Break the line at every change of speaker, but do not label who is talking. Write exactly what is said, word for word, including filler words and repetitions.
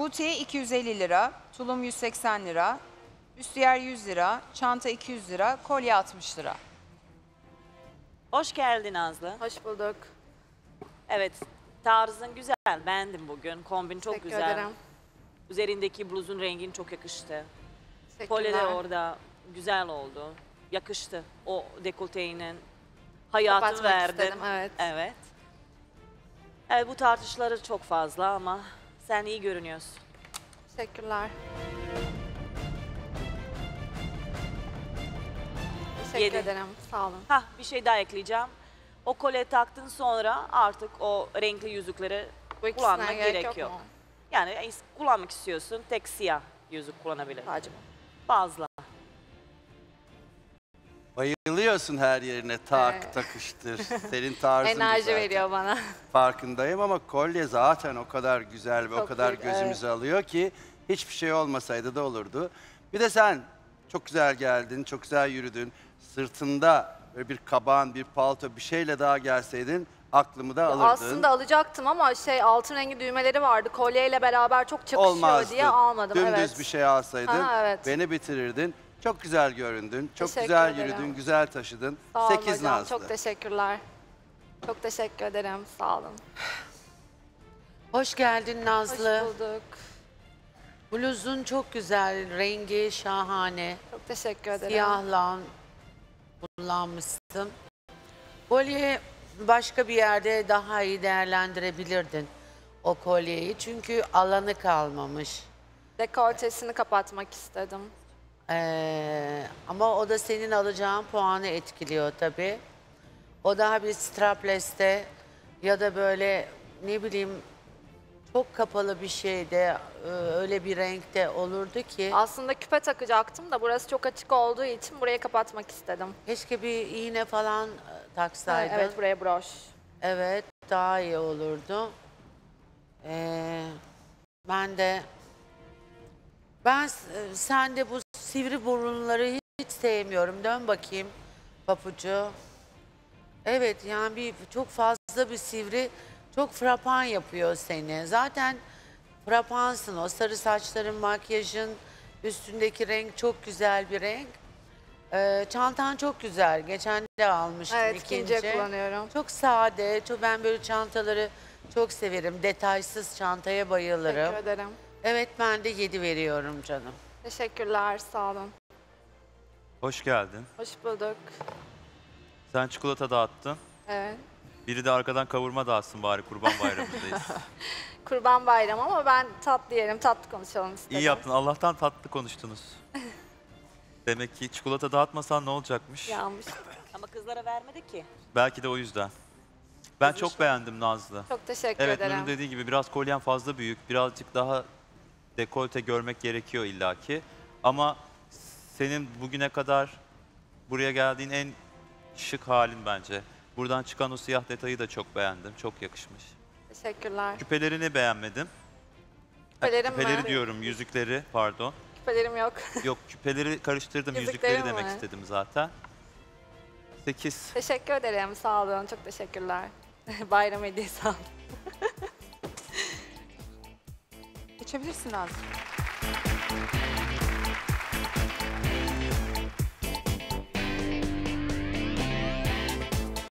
Butiği iki yüz elli lira, tulum yüz seksen lira, büstiyer yüz lira, çanta iki yüz lira, kolye altmış lira.
Hoş geldin Nazlı.
Hoş bulduk.
Evet, tarzın güzel. Beğendim bugün. Kombin çok
Teşekkür
güzel.
ederim.
Üzerindeki bluzun rengin çok yakıştı.
Teşekkürler.
Kolye de orada güzel oldu. Yakıştı. O dekolteğinin hayatı
Kapatmak
verdi.
istedim, evet.
Evet. Evet, bu tartışmaları çok fazla ama sen iyi görünüyorsun.
Teşekkürler. Teşekkür
Yedi.
ederim. Sağ olun.
Hah, bir şey daha ekleyeceğim. O kolye taktın sonra artık o renkli yüzükleri
Bu ikisine
kullanmak
gerek
gerek
yok
yok.
mu?
Yani is- kullanmak istiyorsun, tek siyah yüzük kullanabilir.
Sadece bu.
Fazla.
Bayılıyorsun her yerine tak
Evet.
takıştır. Senin tarzın bu
Enerji
zaten.
veriyor bana.
Farkındayım ama kolye zaten o kadar güzel ve o
Çok
kadar
iyi,
gözümüzü alıyor ki hiçbir şey olmasaydı da olurdu. Bir de sen çok güzel geldin, çok güzel yürüdün. Sırtında böyle bir kaban, bir palto bir şeyle daha gelseydin aklımı da alırdın.
Aslında alacaktım ama şey altın rengi düğmeleri vardı. Kolyeyle beraber çok çakışıyor
Olmazdı.
diye almadım.
Dümdüz
evet.
bir şey alsaydın
Ha, evet.
beni bitirirdin. Çok güzel göründün, çok
Teşekkür
güzel
ederim.
yürüdün, güzel taşıdın.
Sağ olun
Sekiz
hocam.
Nazlı.
Çok teşekkürler. Çok teşekkür ederim. Sağ olun.
Hoş geldin Nazlı.
Hoş bulduk.
Bluzun çok güzel, rengi şahane.
Çok teşekkür ederim.
Siyahla kullanmışsın. Kolye başka bir yerde daha iyi değerlendirebilirdin o kolyeyi. Çünkü alanı kalmamış.
Dekoltesini kapatmak istedim.
Ee, ama o da senin alacağın puanı etkiliyor tabii. O daha bir strapless'te ya da böyle ne bileyim çok kapalı bir şeyde e, öyle bir renkte olurdu ki.
Aslında küpe takacaktım da burası çok açık olduğu için burayı kapatmak istedim.
Keşke bir iğne falan e, taksaydın.
Evet, buraya broş.
Evet, daha iyi olurdu. Ee, ben de ben s- sen de bu sivri burunları hiç sevmiyorum. Dön bakayım papucu. Evet, yani bir çok fazla bir sivri, çok frapan yapıyor seni. Zaten frapansın, o sarı saçların, makyajın, üstündeki renk çok güzel bir renk. Ee, çantan çok güzel. Geçen de almıştım
Evet,
ikinci.
ikinciye kullanıyorum.
Çok sade. Çok, ben böyle çantaları çok severim. Detaysız çantaya bayılırım.
Teşekkür ederim.
Evet, ben de yedi veriyorum canım.
Teşekkürler, sağ olun.
Hoş geldin.
Hoş bulduk.
Sen çikolata dağıttın.
Evet.
Biri de arkadan kavurma dağıtsın bari, Kurban Bayramı'ndayız.
Kurban Bayramı ama ben tatlı yerim, tatlı konuşalım istedim.
İyi yaptın. Allah'tan tatlı konuştunuz. Demek ki çikolata dağıtmasan ne olacakmış?
Yanmış.
Ama kızlara vermedi ki.
Belki de o yüzden. Ben
Kızmış
çok
o.
beğendim Nazlı.
Çok teşekkür
Evet,
ederim.
Nur'un dediği gibi biraz kolyen fazla büyük. Birazcık daha dekolte görmek gerekiyor illaki. Ama senin bugüne kadar buraya geldiğin en şık halin bence. Buradan çıkan o siyah detayı da çok beğendim. Çok yakışmış.
Teşekkürler.
Küpelerini beğenmedim. Ha,
Küpelerim mi?
küpeleri diyorum, yüzükleri pardon.
Küpelerim yok.
Yok, küpeleri karıştırdım,
Yüzüklerim
yüzükleri demek
mi?
istedim zaten. sekiz.
Teşekkür ederim, sağ olun. Çok teşekkürler. Bayram hediyesi aldım.
Geçebilirsin Nazlı.